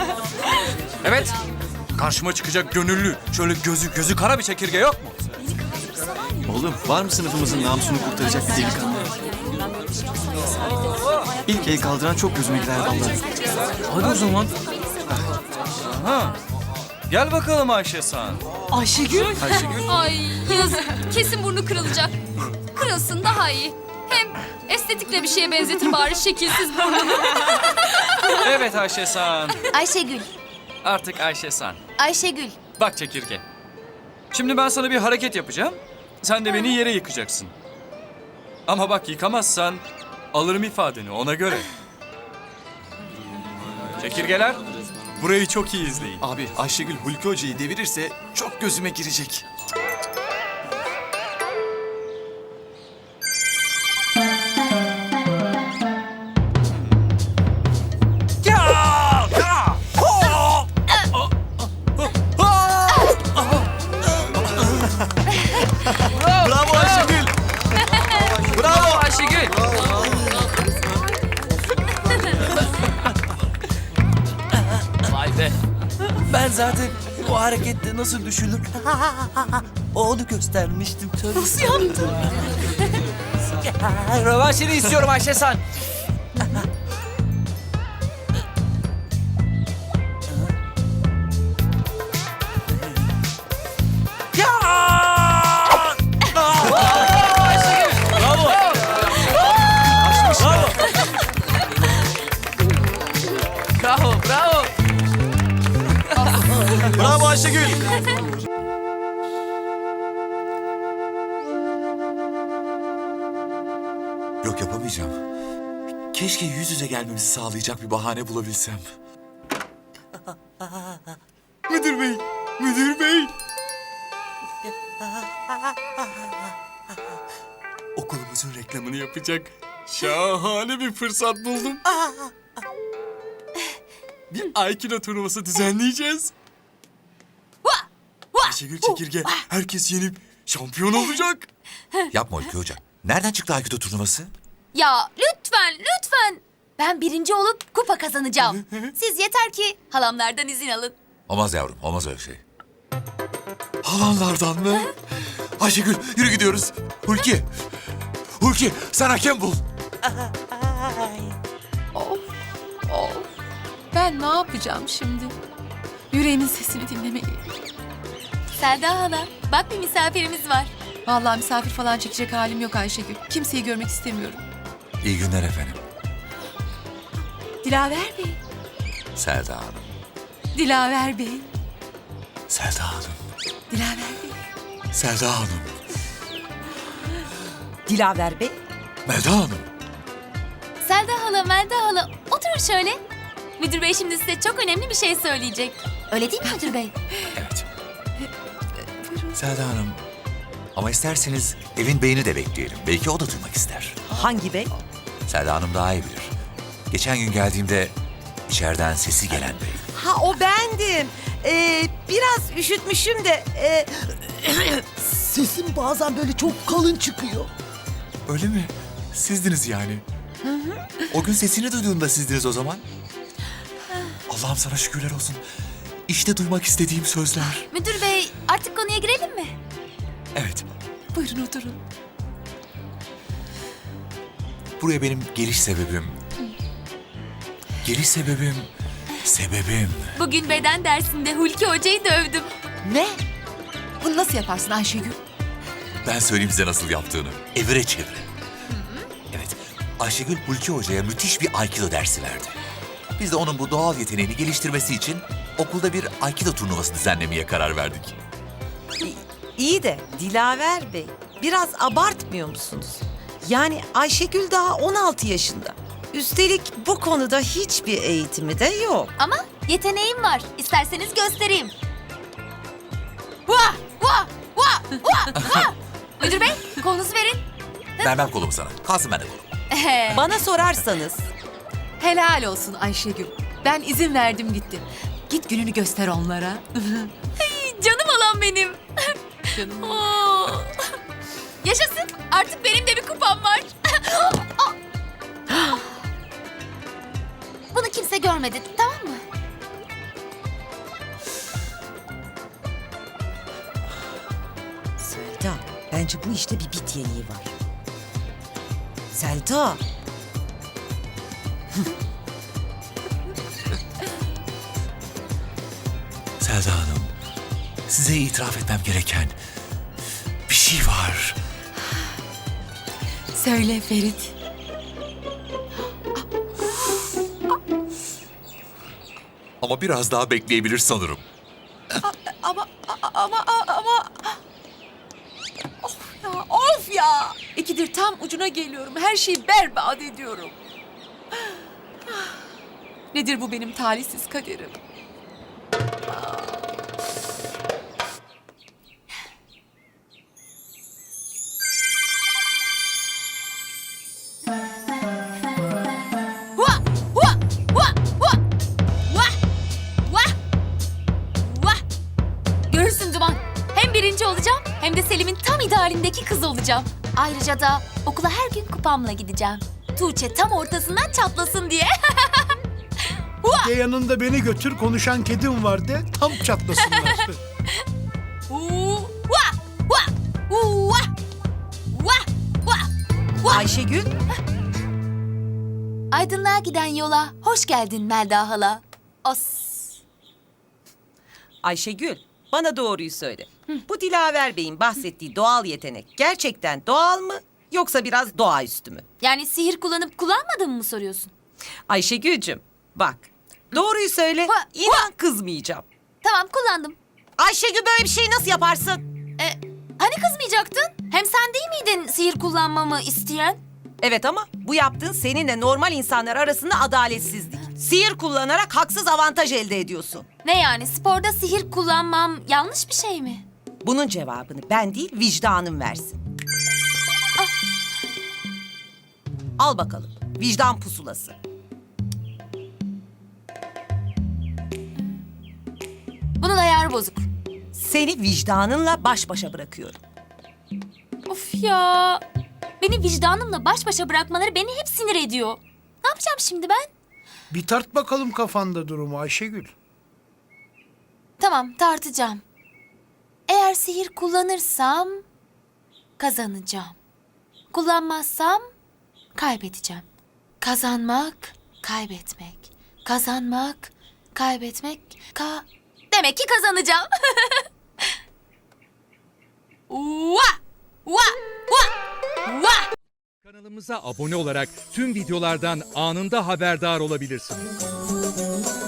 Evet. Karşıma çıkacak gönüllü, şöyle gözü kara bir çekirge yok mu? Oğlum var mı sınıfımızın namusunu kurtaracak bir delikanlı? İlk el kaldıran çok gözüme gider vallahi. Hadi o zaman. Aha. Gel bakalım Ayşe San. Ayşegül. Ay yazık. Kesin burnu kırılacak. Kırılsın daha iyi. Hem estetikle bir şeye benzetir bari şekilsiz burnunu. Evet Ayşe San. Ayşegül, Artık Ayşe San. Ayşegül. Bak çekirge. Şimdi ben sana bir hareket yapacağım. Sen de beni yere yıkacaksın. Ama bak yıkamazsan alırım ifadeni ona göre. Çekirgeler, burayı çok iyi izleyin. Abi Ayşegül Hulki Hoca'yı devirirse çok gözüme girecek. Bravo Ayşegül. Bravo Ayşegül. Vay be. Ben zaten bu harekette nasıl düşülür onu göstermiştim. Nasıl yaptın? Rövanşını istiyorum Ayşe San. Bravo, bravo. Bravo Ayşegül. Yok yapamayacağım. Keşke yüz yüze gelmemizi sağlayacak bir bahane bulabilsem. Müdür bey, müdür bey. Okulumuzun reklamını yapacak şahane bir fırsat buldum. Bir Aikido turnuvası düzenleyeceğiz. Ayşegül Çekirge herkes yenip şampiyon olacak. Yapma Hulki Hoca. Nereden çıktı Aikido turnuvası? Ya lütfen. Ben birinci olup kupa kazanacağım. Siz yeter ki halamlardan izin alın. Olmaz yavrum, olmaz öyle şey. Halanlardan mı? Ayşegül, yürü gidiyoruz. Hulki, sen hakem bul. Ben ne yapacağım şimdi? Yüreğimin sesini dinlemeliyim. Selda hala, bak bir misafirimiz var. Vallahi misafir falan çekecek halim yok Ayşegül. Kimseyi görmek istemiyorum. İyi günler efendim. Dilaver Bey. Selda Hanım. Dilaver Bey. Selda Hanım. Dilaver Bey. Selda Hanım. Dilaver Bey. Melda Hanım. Selda hala, Melda hala, oturun şöyle. Müdür bey şimdi size çok önemli bir şey söyleyecek. Öyle değil mi müdür bey? Evet. Selda Hanım. Ama isterseniz evin beyini de bekleyelim. Belki o da duymak ister. Hangi bey? Selda Hanım daha iyi bilir. Geçen gün geldiğimde içeriden sesi gelen bey. Ha o bendim. Biraz üşütmüşüm de. Sesim bazen böyle çok kalın çıkıyor. Öyle mi? Sizdiniz yani. O gün sesini duyduğumda sizdiniz o zaman. Allah'ım sana şükürler olsun. İşte duymak istediğim sözler. Müdür bey artık konuya girelim mi? Evet, Buyurun oturun. buraya benim geliş sebebim... Sebebim... Bugün beden dersinde Hulki hocayı dövdüm. Ne? Bunu nasıl yaparsın Ayşegül? Ben söyleyeyim size nasıl yaptığını. Evire çevire. Evet, Ayşegül Hulki Hoca'ya müthiş bir Aikido dersi verdi. Biz de onun bu doğal yeteneğini geliştirmesi için okulda bir Aikido turnuvası düzenlemeye karar verdik. İyi de Dilaver Bey, biraz abartmıyor musunuz? Yani Ayşegül daha 16 yaşında. Üstelik bu konuda hiçbir eğitimi de yok. Ama yeteneğim var. İsterseniz göstereyim. Vah! Vah! Vah! Vah! Vah! Müdür bey kolunuzu verin. Vermem kolumu sana. Kalsın bende kolum. Bana sorarsanız Helal olsun Ayşegül. Ben izin verdim gittim. Git gününü göster onlara. Canım olan benim. Canım. Oo. Yaşasın. Artık benim de bir kupam var. Bunu kimse görmedi, tamam mı? Bence bu işte bir bit yeniği var. Selda. Selda Hanım, size itiraf etmem gereken bir şey var. Söyle Ferit. Ama biraz daha bekleyebilir sanırım. Ama of ya. İkidir tam ucuna geliyorum. Her şeyi berbat ediyorum. Nedir bu benim talihsiz kaderim? Vah! Vah! Vah! Vah! Vah! Vah! Vah! Görürsün Duman. Hem birinci olacağım hem de Selim'in tam idealindeki kız olacağım. Ayrıca da okula her gün kupamla gideceğim. Tuğçe tam ortasından çatlasın diye. De yanında beni götür, konuşan kedim var de, tam çatlasınlar. Vah! Vah! Vah! Vah! Vah! Vah! Ayşegül. Aydınlığa giden yola hoş geldin Melda hala. Os. Ayşegül, bana doğruyu söyle. Bu Dilaver Bey'in bahsettiği doğal yetenek gerçekten doğal mı yoksa biraz doğaüstü mü? Yani sihir kullanıp kullanmadığımı mı soruyorsun? Ayşegül'cüm bak, doğruyu söyle, inan kızmayacağım. Tamam kullandım. Ayşegül böyle bir şeyi nasıl yaparsın? Hani kızmayacaktın? Hem sen değil miydin sihir kullanmamı isteyen? Evet ama bu yaptığın seninle normal insanlar arasında adaletsizlik. Sihir kullanarak haksız avantaj elde ediyorsun. Ne yani sporda sihir kullanmam yanlış bir şey mi? Bunun cevabını ben değil vicdanın versin. Al bakalım vicdan pusulası. Bunun ayarı bozuk. Seni vicdanınla baş başa bırakıyorum. Of ya. Beni vicdanımla baş başa bırakmaları beni hep sinir ediyor. Ne yapacağım şimdi ben? Bir tart bakalım kafanda durumu Ayşegül. Tamam tartacağım. Eğer sihir kullanırsam kazanacağım. Kullanmazsam kaybedeceğim. Kazanmak, kaybetmek. Kazanmak, kaybetmek, demek ki kazanacağım. Vah! Vah! Vah! Vah! Kanalımıza abone olarak tüm videolardan anında haberdar olabilirsiniz.